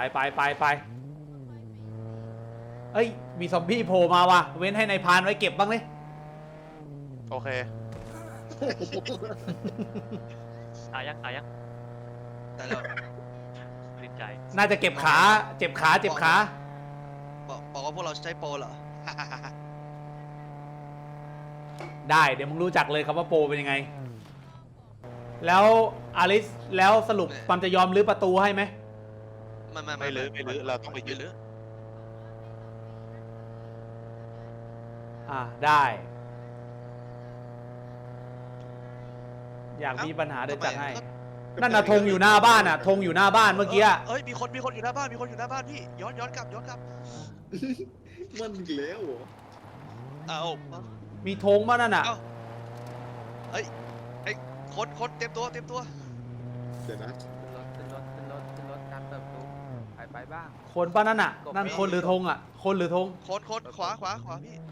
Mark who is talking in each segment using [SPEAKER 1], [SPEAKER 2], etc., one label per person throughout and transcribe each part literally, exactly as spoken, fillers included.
[SPEAKER 1] ไปไปไปเอ้ยมีซอมบี้โผล่มาว่ะเว้นให้นายพรานไว้เก็บบ้างเลย
[SPEAKER 2] โอเค
[SPEAKER 3] ตายยังตายยัง
[SPEAKER 4] แต่เรา
[SPEAKER 3] ลิ้นใจ
[SPEAKER 1] น่าจะเก็บขาเจ็บขาเจ็บขา
[SPEAKER 4] บอกบอกว่าพวกเราใช้โปรเหรอ
[SPEAKER 1] ได้เดี๋ยวมึงรู้จักเลยครับว่าโปรเป็นยังไงแล้วอลิสแล้วสรุปปั๊มจะยอมรื้อประตูให้ไหม
[SPEAKER 4] ไม่ไม่
[SPEAKER 2] ไม่ลื้อไม่ลื้อเราต้องไปยึด
[SPEAKER 4] ลื้อ
[SPEAKER 1] อ่าได้อยากมีปัญหาเดี๋ยวจัดให้นั่นน่ะธงอยู่หน้าบ้านอ่ะธงอยู่หน้าบ้านเมื่อกี้
[SPEAKER 4] เอ้ยมีคนมีคนอยู่หน้าบ้านมีคนอยู่หน้าบ้านพี่ย้อนย้อนกลับย้อนกลับ
[SPEAKER 5] มันอีกแล้วเหรอ
[SPEAKER 4] เอา
[SPEAKER 1] มีธงป่ะนั่นน่ะ
[SPEAKER 4] เอ้ยไอ้คนคนเต็มตัวเต็มตัว
[SPEAKER 5] เดี๋ยวนะ
[SPEAKER 6] ขึ้นรถขึ้นรถขึ้นรถขึ้นรถตามเติบโตไปไปบ้าง
[SPEAKER 1] คนป่ะนั่นน่ะนั่นคนหรือธงอ่ะคนหรือธง
[SPEAKER 4] คนคนขวาขวาขวาพี่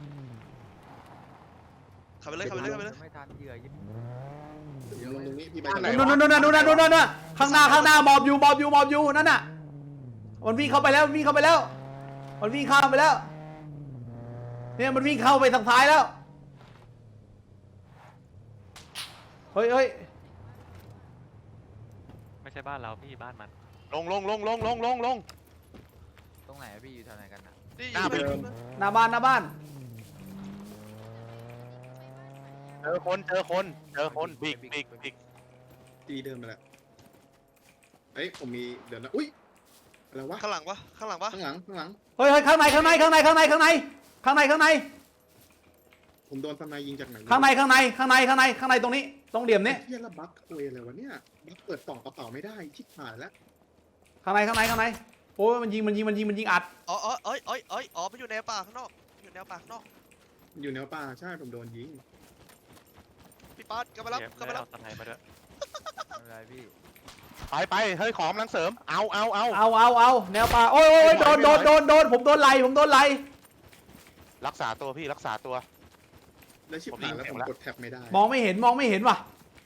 [SPEAKER 4] ขับไปเลยขับไปเลยขับไปเลย
[SPEAKER 6] ไม่ทันเหยื่อยิง
[SPEAKER 5] เดี๋ยวลงตรงนี้พี่ไป
[SPEAKER 2] บ้านไหน
[SPEAKER 1] นู่นนู่นนู่นนู่นนู่นนู่นนู่นข้างหน้าข้างหน้าหมอบอยู่หมอบอยู่หมอบอยู่นั่นน่ะมันวิ่งเข้าไปแล้วมันวิ่งเข้าไปแล้วมันวิ่งข้ามไปแล้วเนี่ยมันวิ่งเข้าไปทางซ้ายแล้วเฮ้ยเฮ้ย
[SPEAKER 3] ไม่ใช่บ้านเราพี่บ้านมัน
[SPEAKER 2] ลงลงลงลงลงลงลง
[SPEAKER 6] ตรงไหนอะพี่อยู่แถวไหนกันนะ
[SPEAKER 4] นี่
[SPEAKER 2] หน้าไป
[SPEAKER 4] ยิง
[SPEAKER 1] หน้าบ้านหน้าบ้าน
[SPEAKER 2] เจอคนเจอคนเจอคนบิ๊กบิ๊กบิ๊ก
[SPEAKER 5] ตีเดินไปแล้วเอ้ยผมมีเดี๋ยวนะอุ้ยอะไรวะ
[SPEAKER 4] ข้างหลังปะข้างหลังปะ
[SPEAKER 5] ข้างหลังข้างหลัง
[SPEAKER 1] เฮ้ยเฮ้ยข้างในข้างในข้างในข้างในข้างในข้างในข้างใน
[SPEAKER 5] ผมโดนทนายยิงจากไหน
[SPEAKER 1] ข้างในข้างในข้างในข้างในข้างในตรงนี้ตรงเดี่ยมนี้
[SPEAKER 5] เฮียละบั๊กโวยอะไรวะเนี่ยบั๊กเปิดกล่องกระเป๋าไม่ได้ชิบหายแล้ว
[SPEAKER 1] ข้างในข้างในข้างในโอ้ยมันยิงมันยิงมันยิงมันยิงอัด
[SPEAKER 4] อ๋ออ๋อเอ้ยเอ้ยเอ้ยอ๋อมันอยู่แนวป่าข้างนอกอยู่แนวป่าข้างนอก
[SPEAKER 5] อยู่แนวป่าใช่ผมโดนยิง
[SPEAKER 4] พี่ป๊าดกลับมารับ
[SPEAKER 3] เดี๋ยว
[SPEAKER 4] กลับมารับ
[SPEAKER 3] เอาตะไคร้มาด้วย
[SPEAKER 6] ไม่เป็นไรพี่
[SPEAKER 2] ไปไปเฮ้ยของกำลังเสริมเอาเอาเอา
[SPEAKER 1] เอาเอาเอาแนวป่าโอ้ยโอ้ยโดนโดนโดนโดนผมโดนไหลผมโดนไหล
[SPEAKER 2] รักษาตัวพี่รักษาตัว
[SPEAKER 5] แล้วชิบหายแล้วผมกดแท็บไม่ได้
[SPEAKER 1] มองไม่เห็นมองไม่เห็นว่ะ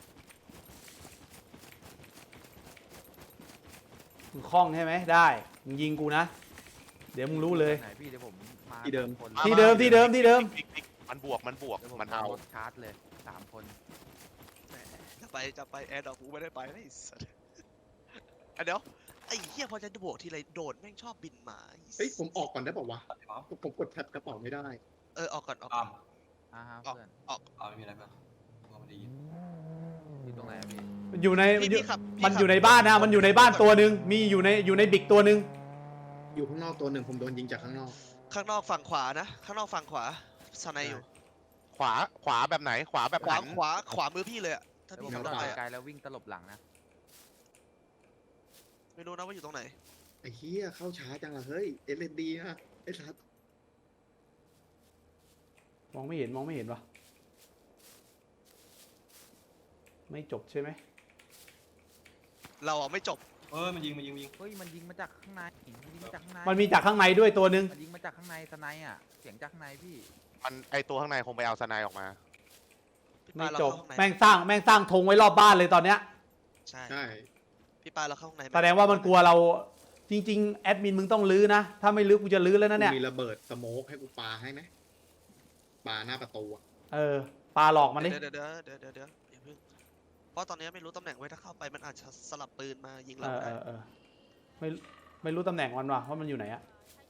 [SPEAKER 1] มึงคล่องใช่ไหมได้มึงยิงกูนะเดี๋ยวมึงรู้เลย
[SPEAKER 6] ไหนพี่เดี๋ยวผมมา
[SPEAKER 5] ที่เดิม
[SPEAKER 6] คน
[SPEAKER 1] ที่เดิมที่เดิมที่เดิม
[SPEAKER 2] บิ๊กบิ๊กมันบวกมันบวก
[SPEAKER 6] เดี๋ยวผม
[SPEAKER 2] มัน
[SPEAKER 6] เอา
[SPEAKER 2] เอา
[SPEAKER 6] รถชาร์จเลยสามคน
[SPEAKER 4] จะไปจะไปแอร์ดอกกูไม่ได้ไปนะไอ้สัสอ่ะเดี๋ยวไอ้เหี้ยพอจะโบกทีไรโดดแม่งชอบบินมาไอ้สัส
[SPEAKER 5] เฮ้ยผมออกก่อนได้ป่าวะผมกดแท็บกระเป๋าไม่ได้
[SPEAKER 4] เออออกก่อนออกก่อน
[SPEAKER 6] อ่าฮะ
[SPEAKER 4] ออก
[SPEAKER 6] เพื่อน
[SPEAKER 4] ออก
[SPEAKER 7] เอาไม่มีอะไรเพื่อนว่ามันได้ยิน
[SPEAKER 6] อยู่ตรงไหนอะพี่
[SPEAKER 1] มันอยู่ใน
[SPEAKER 4] พี่
[SPEAKER 1] มันอยู่
[SPEAKER 4] พี่ขับพี่
[SPEAKER 1] มัน
[SPEAKER 4] ขับ
[SPEAKER 1] อยู่ในบ้านนะมันอยู่ในบ้านตัวหนึ่งมีอยู่ในอยู่ในบิ๊กตัวหนึ่ง
[SPEAKER 5] อยู่ข้างนอกตัวหนึ่งผมโดนยิงจากข้างนอก
[SPEAKER 4] ข้างนอกฝั่งขวานะข้างนอกฝั่งขวาสไนอยู่
[SPEAKER 2] ขวาขวาแบบไหนขวาแบบ
[SPEAKER 4] ขวา
[SPEAKER 2] หัน
[SPEAKER 4] ขวาขวามือพี่เลยอะถ้า
[SPEAKER 6] เดี๋ยว
[SPEAKER 4] พี่
[SPEAKER 6] ผม
[SPEAKER 4] ขับรถ
[SPEAKER 6] จอ
[SPEAKER 4] ไป
[SPEAKER 6] ดไกล
[SPEAKER 4] อะ
[SPEAKER 6] แล้ววิ่งตลบหลังนะ
[SPEAKER 4] ไม่รู้นะว่าอยู่ตรงไหน
[SPEAKER 5] ไอ้เฮียเข้าช้าจังละเฮ้ยเอสเอสดีนะไอ้สัส
[SPEAKER 1] มองไม่เห็นมองไม่เห็นวะไม่จบใช่ไหม
[SPEAKER 4] เราอ่ะไม่จบ
[SPEAKER 7] เออมันยิงมันยิงมันยิง
[SPEAKER 6] เฮ้ยมันยิงมาจากข้างในมันยิงมาจากข้างใน
[SPEAKER 1] มันมีจากข้างในด้วยตัวหนึ่ง
[SPEAKER 6] มันยิงมาจากข้างในสไนด์อ่ะเสียงจากข้างในพี่
[SPEAKER 2] มันไอตัวข้างในคงไปเอาสไนด์ออกมา
[SPEAKER 4] พี่
[SPEAKER 1] ไม่
[SPEAKER 4] ปาเรา
[SPEAKER 1] จบ
[SPEAKER 4] เข้าข้างใน
[SPEAKER 1] แม่งสร้างแม่งสร้างธงไว้รอบบ้านเลยตอนเนี้ย
[SPEAKER 4] ใช่
[SPEAKER 5] ใช่
[SPEAKER 4] พี่ปาเราเข้าข้างในไหม
[SPEAKER 1] แสดงว่ามันกลัวเราจริงๆแอดมินมึงต้องลื้อนะถ้าไม่ลื้อกูจะลื้อแล้วนะเนี่ย
[SPEAKER 5] มีระเบิดสโมกให้กูปาให้ไหมปาหน้าประตูอะ
[SPEAKER 1] เออปลาหลอกมันดิ
[SPEAKER 4] เดี๋ยวเดี๋ยวเดี๋ยวเดี๋ยวเดี๋ยวอย่าเพิ่งเพราะตอนนี้ไม่รู้ตำแหน่งไว้ถ้าเข้าไปมันอาจจะสลับปืนมายิง
[SPEAKER 1] เอ
[SPEAKER 4] เรา
[SPEAKER 1] อเอ
[SPEAKER 4] ได้
[SPEAKER 1] อเออไม่ไม่รู้ตำแหน่งมันว่ะว่ามันอยู่ไหนอะ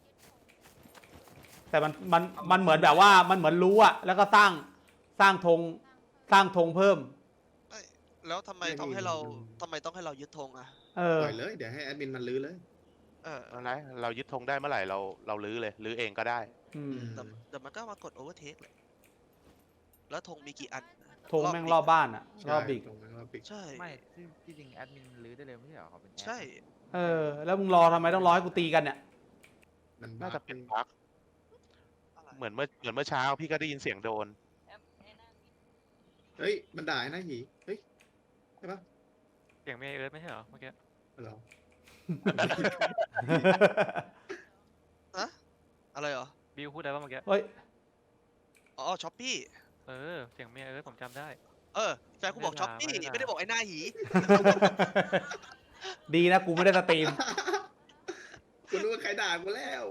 [SPEAKER 1] แต่มันมันมันเหมือนแบบว่ามันเหมือนรู้อะแล้วก็สร้างสร้างธงสร้างธงเพิ่ม
[SPEAKER 4] เอ้ยแล้วทำไมต้องให้เราทำไมต้องให้เรายึดธงอ่ะ
[SPEAKER 1] เออ
[SPEAKER 5] ปล่อยเลยเดี๋ยวให้แอดมินมันลื้อเลย
[SPEAKER 4] เออ
[SPEAKER 2] อะไรเรายึดธงได้เมื่อไหร่เราเราลื้อเลยลื้อเองก็ได้
[SPEAKER 1] อืม
[SPEAKER 4] แต่แต่มันก็มากดโอเวอร์เทคเลยแล้วธงมีกี่อัน
[SPEAKER 1] ธงแม่งรอบบ้านอะรอบบิ๊ก
[SPEAKER 5] ใช่ตรงนั้นรอบบิ๊ก
[SPEAKER 4] ใช่
[SPEAKER 6] ไม่ที่ที่จริงแอดมินรื้อได้เลยไม่ใช่เหรอเขาเป็นแอด
[SPEAKER 4] ใช่
[SPEAKER 1] เออแล้วมึงรอทำไมต้องรอให้กูตีกันเนี่ย
[SPEAKER 5] มัน
[SPEAKER 2] น่า
[SPEAKER 5] บ้า
[SPEAKER 2] จะเป็นพัก
[SPEAKER 4] อะไร
[SPEAKER 2] เหมือนเมื่อเหมือนเมื่อเช้าพี่ก็ได้ยินเสียงโดน
[SPEAKER 5] เฮ้ยมันด่าไอ้นะหีเฮ้ยใช่ปะ
[SPEAKER 3] เสียงเมย์เอิร์ธไม่ใช่เหรอเมื่อกี้
[SPEAKER 5] เหรอ
[SPEAKER 4] อะอะไรเหรอ
[SPEAKER 3] บิวพูดได้ป่ะเมื่อกี้
[SPEAKER 1] เฮ้ย
[SPEAKER 4] อ๋อช้อปปี้
[SPEAKER 3] เออเสียงเมย์เอิร์ธผมจำได้
[SPEAKER 4] เออแฟนกูบอก
[SPEAKER 3] ไม่ได้
[SPEAKER 4] ช้อปปี้
[SPEAKER 3] ด่าไม่
[SPEAKER 4] ไม่
[SPEAKER 3] ได้
[SPEAKER 4] ได้บอกไอ้หน้าหี
[SPEAKER 1] ดีนะกูไม่ได้สตรีม
[SPEAKER 5] ด่ากูแล้ว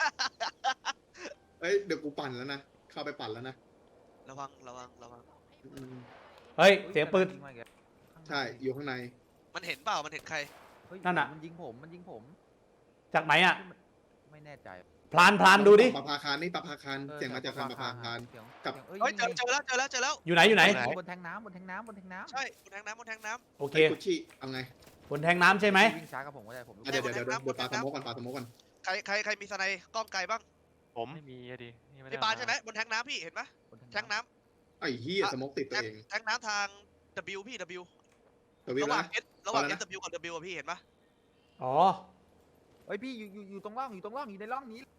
[SPEAKER 5] เอ้ยเดี๋ยวกูปั่นแล้วนะเข้าไปปั่นแล้วนะ
[SPEAKER 4] ระวังระวังระวัง
[SPEAKER 5] อืม
[SPEAKER 1] เฮ้ยเสียงปืน
[SPEAKER 6] ยิงมาอีกแล้ว
[SPEAKER 5] ใช่อยู่ข้างใน
[SPEAKER 4] มันเห็นเปล่ามันเห็นใคร
[SPEAKER 6] เฮ้ย
[SPEAKER 1] นั่นน่ะ
[SPEAKER 6] มันยิงผมมันยิงผม
[SPEAKER 1] จากไหนอ่ะ
[SPEAKER 6] ไม่แน่ใจ
[SPEAKER 1] พลานพลานดูดิ
[SPEAKER 5] ปะพาคารนี่ปะพาคาร
[SPEAKER 6] ออ
[SPEAKER 5] เสียงมาจากทางปะพาคาร
[SPEAKER 6] เสียง
[SPEAKER 5] กับ
[SPEAKER 6] เสียง
[SPEAKER 4] เฮ้ยเจอ
[SPEAKER 6] นี่
[SPEAKER 4] เจอแล้วเจอแล้วเจอแล้ว
[SPEAKER 1] อยู่ไหนอยู่ไหน
[SPEAKER 6] ไงบนแทงน้ำบนแทงน้ำบนแทงน้ำ
[SPEAKER 4] ใช่บนแทงน้ำบนแทงน้
[SPEAKER 1] โอเค
[SPEAKER 5] ไอ้กุชชี่เอาไง
[SPEAKER 1] บนแทงน้ำใช่ไหม
[SPEAKER 6] วิ่งช้ากับผมก็ได้ผมรู้
[SPEAKER 5] อ่ะเดี๋ยวเดี๋ยวเดี๋ยวเดี๋ยวปาสโมกก่อนปาสโมกก่อน
[SPEAKER 4] ำใครใครใครมีสไนด์กล้องไกลบ้าง
[SPEAKER 2] ผม
[SPEAKER 3] ไม่มีอะดินี่ไม่ได้
[SPEAKER 4] พี่ปาน
[SPEAKER 3] เอ
[SPEAKER 4] ใช่ไหมบนแทงน้ำพี่เห็นไหม
[SPEAKER 6] บน
[SPEAKER 4] แทงน้ำ
[SPEAKER 5] ไอ้เหี้ยสโมกติดตัวเอง
[SPEAKER 4] แทงน้ำทาง W พี่ W
[SPEAKER 5] ตัววิ่ง
[SPEAKER 4] ระห
[SPEAKER 5] แล้
[SPEAKER 4] ว่าว ง
[SPEAKER 5] นะ
[SPEAKER 4] S ระหว่าง
[SPEAKER 5] เอาแล้ว
[SPEAKER 4] S W กับ W อะพี่เห็นปะ
[SPEAKER 1] อ๋อ
[SPEAKER 6] เฮ้ยพี่อยู่อยู่อยู่ตรงร่องอยู่ตรงร่องอยู่ในร่องนี้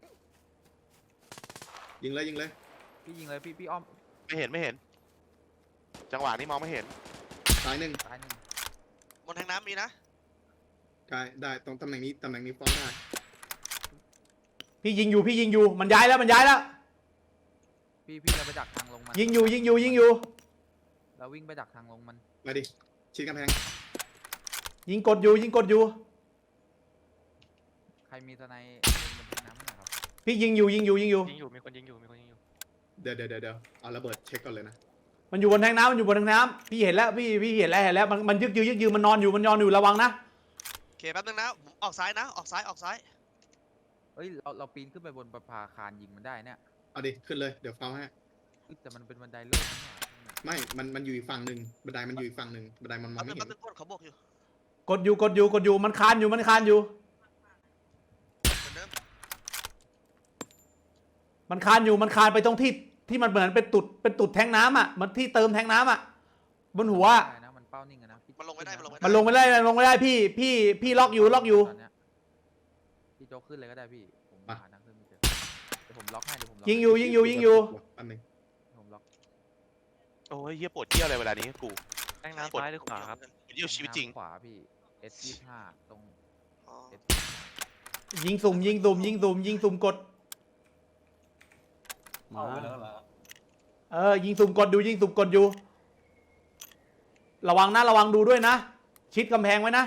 [SPEAKER 5] ยิงเลยยิงเลย
[SPEAKER 6] พี่ยิงเลยพี่พี่อ้อม
[SPEAKER 2] ไม่เห็นไม่เห็น จังหวะนี้มองไม่เห็น
[SPEAKER 5] สายหนึ่ง
[SPEAKER 6] ตายหนึ่ง
[SPEAKER 4] บนแทงน้ำมีนะ
[SPEAKER 5] ได้ได้ตรงตำแหน่งนี้ตำแหน่งนี้ฟ้องได้
[SPEAKER 1] พี่ยิงอยู่พี่ยิงอยู่มันย้ายแล้วมันย้ายแล้ว
[SPEAKER 6] พี่พี่เราไปดักทางลงมัน
[SPEAKER 1] ยิงอยู่ยิงอยู่ยิงอยู่
[SPEAKER 6] เราวิ่งไปดักทางลงมัน
[SPEAKER 5] มาดิชิดกำแพง
[SPEAKER 1] ยิงกดอยู่ยิงกดอยู่
[SPEAKER 6] ใครมีสไนด์บนแทงน้ำนะครับ
[SPEAKER 1] พี่ยิงอยู่ยิงอยู่ยิงอยู่
[SPEAKER 3] ยิงอยู่มีคนยิงอยู่มีคนยิงอยู่
[SPEAKER 5] เดี๋ยวเดี๋ยวเดี๋ยวเดี๋ยวเอาระเบิดเช็คก่อนเลยนะ
[SPEAKER 1] มันอยู่บนแทงน้ำมันอยู่บนแทงน้ำพี่เห็นแล้วพี่พี่เห็นแล้วเห็นแล้วมันมันยึกยือยึกยือมันนอนอยู่มันนอนอยู่ระวังนะ
[SPEAKER 4] โอเคแป๊บนึงนะผมออกซ้ายนะ ออกซ้ายออกซ้าย
[SPEAKER 6] เฮ้ยเราเราปีนขึ้นไปบนประภาคารยิงมันได้เนี่ย
[SPEAKER 5] เอาดิขึ้นเลยเดี๋ยวเฝ้าให้
[SPEAKER 6] เฮ้ยแต่มันเป็นบันไดโล่งนะเนี่ย
[SPEAKER 5] ไม่มันมันอยู่อีกฝั่งหนึ่งบันไดมันอยู่อีกฝั่งหนึ่งบันไดมันมอง
[SPEAKER 4] แป๊บนึ
[SPEAKER 5] ไม่
[SPEAKER 4] ง
[SPEAKER 5] เห็
[SPEAKER 4] แป๊บ
[SPEAKER 5] น
[SPEAKER 4] นึงกดเขาบอกอยู่
[SPEAKER 1] กดอยู่กดอยู่กดอยู่มันคานอยู่มันคานอยู่
[SPEAKER 4] เหมือนเดิม
[SPEAKER 1] มันคานอยู่มันคานไปตรงที่ที่มันเหมือนเป็นตุดเป็นตุดแทงน้ำอ่ะมันที่เติมแทงน้ำอ่ะบนหัวอะ
[SPEAKER 6] ได้นะมันเป้านิ่งอะนะพี่
[SPEAKER 4] มันลงไม่ได้มันลงไม่ได้
[SPEAKER 1] มันลงไม่ได้มันลงไม่ได้พี่พี่พี่ล็อกอยู่ล็อกอยู่
[SPEAKER 6] ตนเนี้พี่โจ๊กขึ้นเลยก็ได้พี่ผมหาทางขึ้นไม่เจอเดี๋ยวผมล็อกให้เดี๋ยวผมล็อก
[SPEAKER 1] ยิงอยู่ยิงอยู่ยิงอยู่
[SPEAKER 5] อันหนึ่ง
[SPEAKER 6] ผมล็อก
[SPEAKER 2] โอ้ยเฮียปวดเที่ยวอะไรเวลานี้กู
[SPEAKER 3] แทงน้ำซ้ายหรือขวาครับ
[SPEAKER 2] ปวดเที่ยวชีวิตจริง
[SPEAKER 6] ขวาพี่ S ยี่สิบห้าตรง
[SPEAKER 4] อ๋อ
[SPEAKER 6] S
[SPEAKER 1] ยิงสุ่มยิงสุ่มยิงสุ่มยิงสุ่มกด
[SPEAKER 7] เอาไปแล้วเหรอ
[SPEAKER 1] เออยิงสุ่มกดอยู่ยิงสุ่มกดอยู่ ระวังนะระวังดูด้วยนะ ชิดกำแพงไว้นะ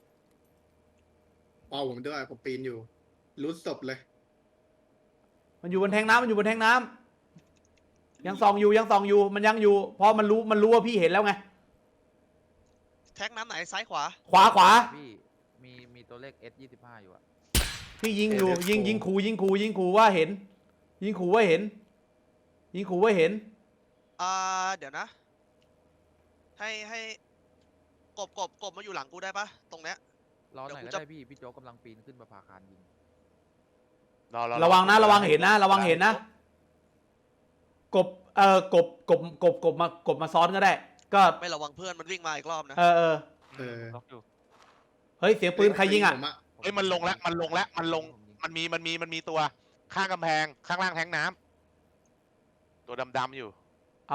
[SPEAKER 5] เป้าผมด้วยผมปีนอยู่รู้ศพเลย
[SPEAKER 1] มันอยู่บนแทงน้ำมันอยู่บนแทงน้ำยังส่องอยู่ยังส่องอยู่มันยังอยู่เพราะมันรู้มันรู้ว่าพี่เห็นแล้วไง
[SPEAKER 4] แทงน้ำไหนซ้ายขวา
[SPEAKER 1] ขวาขวา
[SPEAKER 6] พี่มีมีตัวเลข S ยี่สิบห้าอยู่อะ
[SPEAKER 1] พี่ยิงอยู่ยิงยิงขู่ยิงขู่ยิงขู่ว่าเห็น ยิงขู่ว่าเห็น ยิงขู่ว่าเห็น
[SPEAKER 4] อ่าเดี๋ยวนะ ให้ให้กบกบกบมาอยู่หลังกูได้ปะตรงเนี้ย
[SPEAKER 6] รอหน่อย
[SPEAKER 4] เดี๋
[SPEAKER 6] ก็
[SPEAKER 4] ยวกูจะ
[SPEAKER 6] ได้พี่พี่โจ๊กกำลังปีนขึ้นประภาคารยิง
[SPEAKER 2] รอรอ
[SPEAKER 1] ระวังนะระวังเห็นนะ ระวังเห็นนะ กบเอ่อกบกบกบกบมากบมาซ้อนก็ได้ ก็
[SPEAKER 4] ไม่ระวังเพื่อนมันวิ่งมาอีกรอบนะ
[SPEAKER 1] เออเออ
[SPEAKER 5] เออ
[SPEAKER 3] ล็อกอยู่
[SPEAKER 1] เฮ้ยเสียงปืนใครยิงอ่ะ
[SPEAKER 5] ผม
[SPEAKER 2] เอ้ยมันลงแล้วมันลงแล้วมันลง
[SPEAKER 6] ผมยิง
[SPEAKER 2] มันมีมันมีมันมีตัวข้างกำแพงข้างล่างแทงน้ำตัวดำๆอยู่
[SPEAKER 1] เอา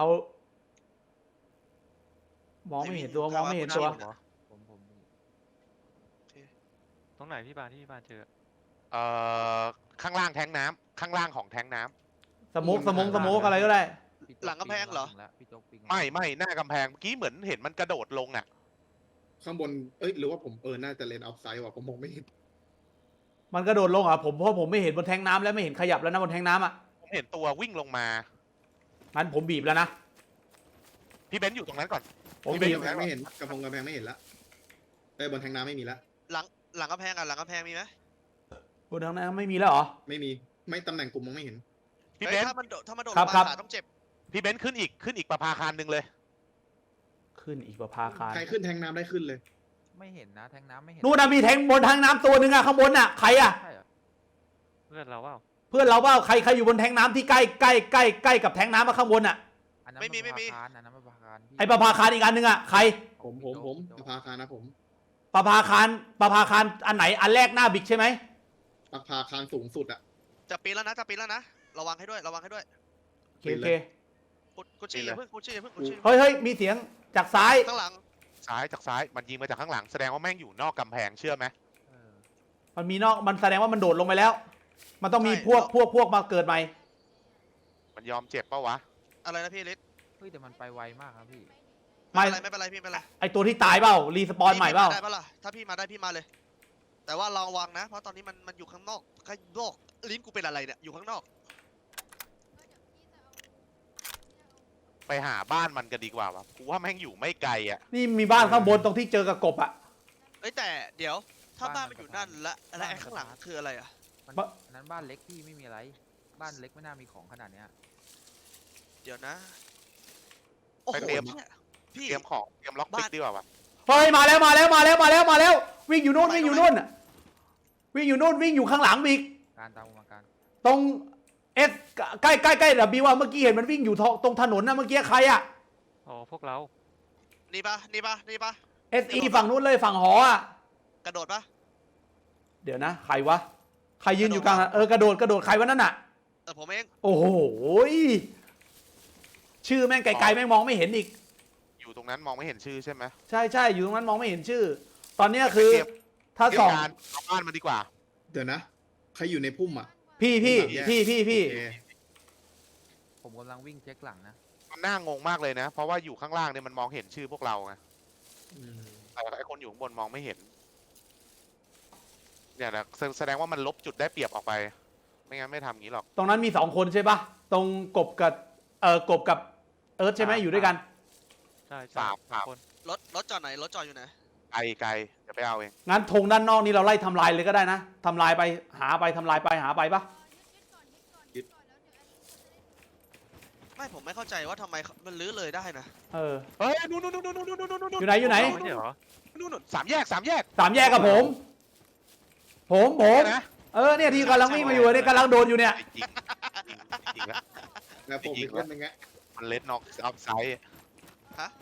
[SPEAKER 1] มองไม่เห็นตัวมองไม่เห็นตัว
[SPEAKER 3] เหรอ
[SPEAKER 6] ผมผมผม
[SPEAKER 3] ตรงไหนพี่ปานที่พี่ปานเจอ
[SPEAKER 2] เอ่อข้างล่างแทงน้ำข้างล่างของแทงน้ำ
[SPEAKER 1] สโมกสโมกสโมกอะไรก็ได้
[SPEAKER 6] พี่โจ๊
[SPEAKER 4] หลังกำแพงเหรอ
[SPEAKER 6] ปีนมาแล้วพี่โจ๊กปีนา
[SPEAKER 2] ไม่ไม่หน้ากำแพงเมื่อกี้เหมือนเห็นมันกระโดดลงอ่ะ
[SPEAKER 5] ข้างบนเอ้ยหรือว่าผมเออน่าจะเลนออฟไซด์ว่ะผมมองไม่เห็น
[SPEAKER 1] มันกระโดดลงเหรอ่ะผมเพราะผมไม่เห็นบนแทงน้ำแล้วไม่เห็นขยับแล้วนะบนแทงน้ำอ่ะ
[SPEAKER 2] ผมเห็นตัววิ่งลงมา
[SPEAKER 1] งั้นผมบีบแล้วนะ
[SPEAKER 2] พี่เบนซ์อยู่ตรงนั้นก่อน
[SPEAKER 1] ผม
[SPEAKER 2] พี่
[SPEAKER 1] บีบ
[SPEAKER 2] เบนซ์
[SPEAKER 5] กำแพงไม่เห็นกระพงกำแพงไม่เห็นละเอ้ยบนแทงน้ำไม่มีละ
[SPEAKER 4] หลังหลังกำแพงอ่ะหลังกำแพงมีไหม
[SPEAKER 1] บนแทงน้ำไม่มีแล้วเหรอ
[SPEAKER 5] ไม่มีไม่ตำแหน่งกลุ่มมองไม่เห็น
[SPEAKER 2] พี่
[SPEAKER 4] เฮ้
[SPEAKER 2] เบ
[SPEAKER 4] ย
[SPEAKER 2] นซ์
[SPEAKER 4] ถ้ามันโดดถ้ามันโดด
[SPEAKER 1] ค
[SPEAKER 4] ล
[SPEAKER 1] รับ
[SPEAKER 4] ง
[SPEAKER 1] ครั
[SPEAKER 4] มา
[SPEAKER 1] บ
[SPEAKER 4] ขาต้องเจ็บ
[SPEAKER 2] พี่เบนซ์ขึ้นอีกขึ้นอีกประภาคารหนึ่งเลย
[SPEAKER 1] ขึ้นอีกประภาคาร
[SPEAKER 5] ใครขึ้นแทงน้ำได้ขึ้นเลย
[SPEAKER 6] ไม่เห็นนะแทงน้ำไม่เห็น
[SPEAKER 1] นู่นนะมีแทงบนแทงน้ำตัวหนึ่งอะข้างบนอะใครอะ
[SPEAKER 6] ใช่เหรอ
[SPEAKER 3] เพื่อนเราเปล่า
[SPEAKER 1] เพื่อนเราเปล่าใครใครอยู่บนแทงน้ำที่ใกล้ใกล้ใกล้ใกล้กับแทงน้ำอะข้างบนอะ
[SPEAKER 6] อันนั้น
[SPEAKER 4] ไม่มี
[SPEAKER 6] น
[SPEAKER 4] ไม่มี
[SPEAKER 6] ประภาคารอันนั้นประภาคารพี่
[SPEAKER 1] ไอประภาคารอีกอันหนึ่งอะใคร
[SPEAKER 5] ผมผมผมประภาคารนะผม
[SPEAKER 1] ประภาคารประภาคารอันไหนอันแรกหน้าบิ๊กใช่ไหม
[SPEAKER 5] ประภาคารสูงสุดอะ
[SPEAKER 4] จะปีนแล้วนะจะปีนแล้วนะระวังให้ด้วยระวังให้ด้วย
[SPEAKER 1] โอเคโอเค
[SPEAKER 4] กุกุชชี่อย่าเพิ่งกุชชี่อย่าเพิ่งกุชชี่
[SPEAKER 1] เฮ้ยเฮ้ยมีเสียงจากซ้าย
[SPEAKER 4] ข้างหลัง
[SPEAKER 2] ซ้ายจากซ้ายมันยิงมาจากข้างหลังแสดงว่าแม่งอยู่นอกกำแพงเชื่อไหม
[SPEAKER 6] เออ
[SPEAKER 1] มันมีนอกมันแสดงว่ามันโดดลงไปแล้ว มันต้องมีพวกพวกพวกมาเกิดใหม่
[SPEAKER 2] มันยอมเจ็บปะวะ
[SPEAKER 4] อะไรนะพี่ลิศ
[SPEAKER 6] เฮ้ยแต่มันไปไวมากครับพี่
[SPEAKER 1] ไม่
[SPEAKER 4] ไม่เป็นไรไม่เป็นไรพี่ไม่เป็นไร
[SPEAKER 1] ไอตัวที่ตายเปล่ารีสปอนใหม่เปล่า
[SPEAKER 4] ได้ปะล่ะถ้าพี่มาได้พี่มาเลยแต่ว่าระวังนะ เพราะตอนนี้มันมันอยู่ข้างนอกข้างนอกลิ้นกูเป็นอะไรเนี่ยอยู่ข้างนอก
[SPEAKER 2] ไปหาบ้านมันกันดีกว่าวะกูว่าแม่งอยู่ไม่ไกลอ่ะ
[SPEAKER 1] นี่มีบ้านข้างบนตรงที่เจอกับกบอ่ะ
[SPEAKER 4] เอ้ยแต่เดี๋ยวถ้า
[SPEAKER 6] บ้า
[SPEAKER 4] บ้าน น
[SPEAKER 6] มั
[SPEAKER 4] มัน นอยู่
[SPEAKER 6] สะพาน
[SPEAKER 4] นั่นและและไอ้
[SPEAKER 6] บ้านมัน
[SPEAKER 4] ข้างหลัง
[SPEAKER 6] สะพาน
[SPEAKER 4] คืออะไรอ่ะ
[SPEAKER 6] มัน
[SPEAKER 1] บะ
[SPEAKER 6] อันนั้นบ้านเล็กพี่ไม่มีอะไร บ้านเล็กไม่น่ามีของขนาดเนี้ย
[SPEAKER 4] เดี๋ยวนะโอ้โห
[SPEAKER 2] ไปเตรียม
[SPEAKER 4] เนี่ยพี่
[SPEAKER 2] เตรียมของเตรียมล็อกปิ
[SPEAKER 4] บ้าก น
[SPEAKER 2] ดีกว่าวะ
[SPEAKER 1] เฮ้ยมาแล้วมาแล้วมาแล้วมาแล้วมาแล้ว วิ่งอยู่นู่นวิ่งอยู่นู่นน่ะวิ่งอยู่นู่นวิ่งอยู่ข้างหลังอีก
[SPEAKER 6] การตามมาการ
[SPEAKER 1] ตรงเอสใกล้ใกล้ใกล้ดับบิวอะเมื่อกี้เห็นมันวิ่งอยู่ตรงถนนนะเมื่อกี้ใครอะ
[SPEAKER 3] อ๋อพวกเรา
[SPEAKER 4] นี่ปะนี่ปะนี่ปะ
[SPEAKER 1] เอสอีฝั่งนู้นเลยฝั่งหออะ
[SPEAKER 4] กระโดดปะ
[SPEAKER 1] เดี๋ยวนะใครวะใครยืนอยู่กลางอะเออกระโดดกระโดดใครวะนั่นน่ะ
[SPEAKER 4] เออผมเอง
[SPEAKER 1] โอ้โหชื่อแม่งไกลๆแม่งมองไม่เห็นอีก
[SPEAKER 2] อยู่ตรงนั้นมองไม่เห็นชื่อใช่ไหม
[SPEAKER 1] ใช่ใช่อยู่ตรงนั้นมองไม่เห็นชื่อ ตอนเนี้ยคือ
[SPEAKER 2] เตรียม
[SPEAKER 1] ถ้า
[SPEAKER 2] เตรีย
[SPEAKER 1] ส่
[SPEAKER 2] ม
[SPEAKER 1] อง
[SPEAKER 2] การเอาบ้านมาดีกว่า
[SPEAKER 5] เดี๋ยวนะ ใครอยู่ในพุ่มอ่ะ
[SPEAKER 1] พี่พี่พี่พี่พี่
[SPEAKER 5] โอเค
[SPEAKER 6] ผมกำลังวิ่งเช็คหลังนะ
[SPEAKER 2] มันน่างงมากเลยนะ เพราะว่าอยู่ข้างล่างเนี่ยมันมองเห็นชื่อพวกเราไง
[SPEAKER 5] อืม
[SPEAKER 2] แต่ไอคนอยู่ข้างบนมองไม่เห็นเนี่ยนะแสแสดงว่ามันลบจุดได้เปรียบออกไป ไม่งั้นไม่ทำงี้หรอก
[SPEAKER 1] ตรงนั้นมีสองคนใช่ปะตรงกบกับเออกบกับเอิร์ธใช่ไหมอยู่ด้วยกัน
[SPEAKER 3] ใช่ใช่
[SPEAKER 2] สามสาม
[SPEAKER 3] คน
[SPEAKER 4] รถรถจอดไหนรถจอดอยู่ไหน
[SPEAKER 2] ไกลไกลเดี๋ยวไปเอาเอง
[SPEAKER 1] งั้นธงด้านนอกนี้เราไล่ทำลายเลยก็ได้นะทำลายไปหาไปทำลายไปหาไปปะ
[SPEAKER 4] ไม่ผมไม่เข้าใจว่าทำไมมันลื้อเลยได้นะ
[SPEAKER 1] เออ
[SPEAKER 2] เฮ้ยนู่นนู่นนู่นนู่นนู่นนู่นนู่น
[SPEAKER 1] อยู่ไหนอยู่ไหน
[SPEAKER 3] ไม่ใช่เหรอ
[SPEAKER 2] นู่นนู่นสามแยกสามแยก
[SPEAKER 1] สามแยกกับผม ผมผม
[SPEAKER 2] เนี่ยนะ
[SPEAKER 1] เออเนี่ยที่กำลังวิ่งมาอยู่เนี่ยกำลังโดนอยู่เนี่ย
[SPEAKER 2] จริงจริงจริงแล้ว
[SPEAKER 5] แล้วผมอีกคนนึงอะ
[SPEAKER 2] มันเล็ดน็อกออฟไซด์
[SPEAKER 4] ฮะ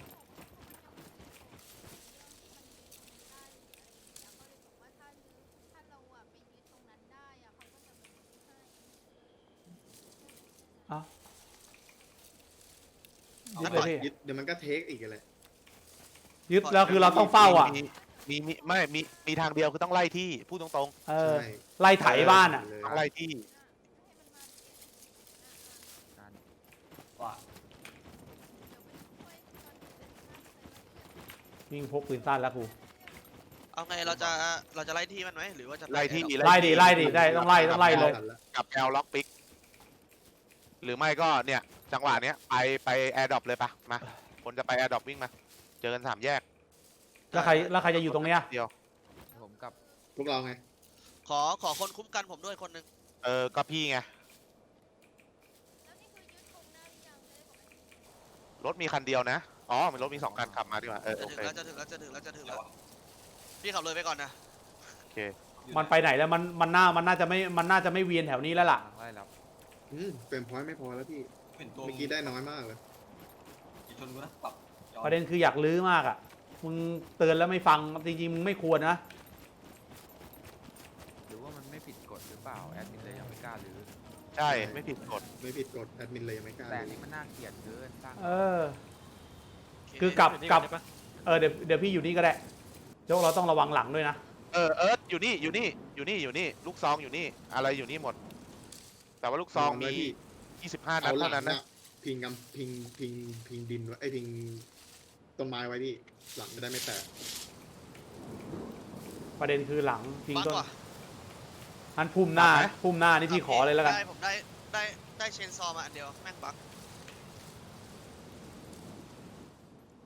[SPEAKER 1] เอายึ
[SPEAKER 5] แล้
[SPEAKER 1] ด
[SPEAKER 5] ว
[SPEAKER 1] เลย
[SPEAKER 5] ก่อน
[SPEAKER 1] พี่
[SPEAKER 5] ยึดเดี๋ยวมันก็เทคอีกอะไร
[SPEAKER 1] ยึดแล้วคือเราต้องเฝ้าอ่ะ
[SPEAKER 2] มีมีมีไม่มีมีทางเดียวคือต้องไล่ที่พูดตรง
[SPEAKER 1] เออ
[SPEAKER 5] ใช่
[SPEAKER 1] ไล่ไถบ้านอ่ะ
[SPEAKER 5] เลย
[SPEAKER 2] ๆต้องไล่ที่
[SPEAKER 6] การ
[SPEAKER 1] วิ่งพกปืนสั้นแล้วกู
[SPEAKER 4] เอาไงเราจะเราจะไล่ที่มันไหมหรือว่าจะป
[SPEAKER 2] ไล่ที่
[SPEAKER 4] แอร์ดรอป
[SPEAKER 1] ไล่ดิไล่ดิได้ต้องไล่ต้องไล่เลย
[SPEAKER 2] กับแอลล็อกปิกหรือไม่ก็เนี่ย จังหวะเนี้ยไปไปแอร์ดรอปเลยปะมาคนจะไปแอร์ดรอปวิ่งมา เจอกันสามแยก
[SPEAKER 1] แล้วใครแล้วใครจะอยู่ตรงเนี้ย
[SPEAKER 2] เดียว
[SPEAKER 6] ผมกับ
[SPEAKER 5] พวกเราไง
[SPEAKER 4] ขอขอคนคุ้มกันผมด้วยคนหนึ่ง
[SPEAKER 2] เออก็พี่ไงรถมีคันเดียวนะอ๋อมันรถมีสองคันขับมาดีกว่าเออ
[SPEAKER 4] จะ
[SPEAKER 2] โอ
[SPEAKER 4] ถึง
[SPEAKER 2] เค
[SPEAKER 4] แล้วจะถึงแล้วจะถึงแล้วจะถึงแล้วพี่ขับเลยไปก่อนนะ
[SPEAKER 2] โอเค
[SPEAKER 1] มันไปไหนแล้วมันมันน่ามันน่าจะไม่มันน่าจะไม่เวียนแถวนี้แล้วล่ะ
[SPEAKER 6] กำลังไล่รับ
[SPEAKER 5] อืมเฟรมพอยต์ไม่พอแล้วพี่
[SPEAKER 7] เห็นตัว
[SPEAKER 5] เมื่อกี้ได้น้อยมากเลย
[SPEAKER 7] กี่ชนกูนะปรับจอ
[SPEAKER 1] ประเด็นคืออยากลื้อมากอ่ะมึงเตือนแล้วไม่ฟังจริงๆมึงไม่ควรนะ
[SPEAKER 6] หรือว่ามันไม่ผิดกฎหรือเปล่าแอดมินเลยยังไม่กล้าหรือ
[SPEAKER 2] ใช่ไม่ผิดกฎ
[SPEAKER 5] ไม่ผิดกฎแอดมินเลยยังไม่กล้า
[SPEAKER 6] แต่อัน
[SPEAKER 5] เลย
[SPEAKER 6] นี้มันน่าเกลียดเกินสร้าง
[SPEAKER 1] เออ
[SPEAKER 4] โเค
[SPEAKER 1] คือกลับ
[SPEAKER 3] อยู่นี่
[SPEAKER 1] กลับ
[SPEAKER 3] ได้ปะ
[SPEAKER 1] เออเดี๋ยวเดี๋ยวพี่อยู่นี่ก็ได้โจ๊กเราต้องระวังหลังด้วยนะ
[SPEAKER 2] เออเอิร์ธอยู่นี่อยู่นี่อยู่นี่อยู่นี่ลูกซองอยู่นี่อะไรอยู่นี่หมด แต่ว่าลูกซองมี
[SPEAKER 5] ระวัไว้พี่
[SPEAKER 2] ยี่สิบห้านั
[SPEAKER 5] เอา
[SPEAKER 2] ด
[SPEAKER 5] หลั
[SPEAKER 2] เท่าง นั้น
[SPEAKER 5] นะ
[SPEAKER 2] นะ
[SPEAKER 5] พิงกำพิงพิงพิงดินไว้ไอ้ยพิงต้นไม้ไว้พี่หลังจะได้ไม่แตก
[SPEAKER 1] ประเด็นคือหลังพิง
[SPEAKER 4] บัง
[SPEAKER 1] ต้น
[SPEAKER 4] ว่ะ
[SPEAKER 1] อันพุ่มหน้าพุ่มหน้านี่พี่ขอเลยแล้วกัน
[SPEAKER 4] ได้ผมได้ได้ได้เชนซอมาอันเดียวแม่งบัก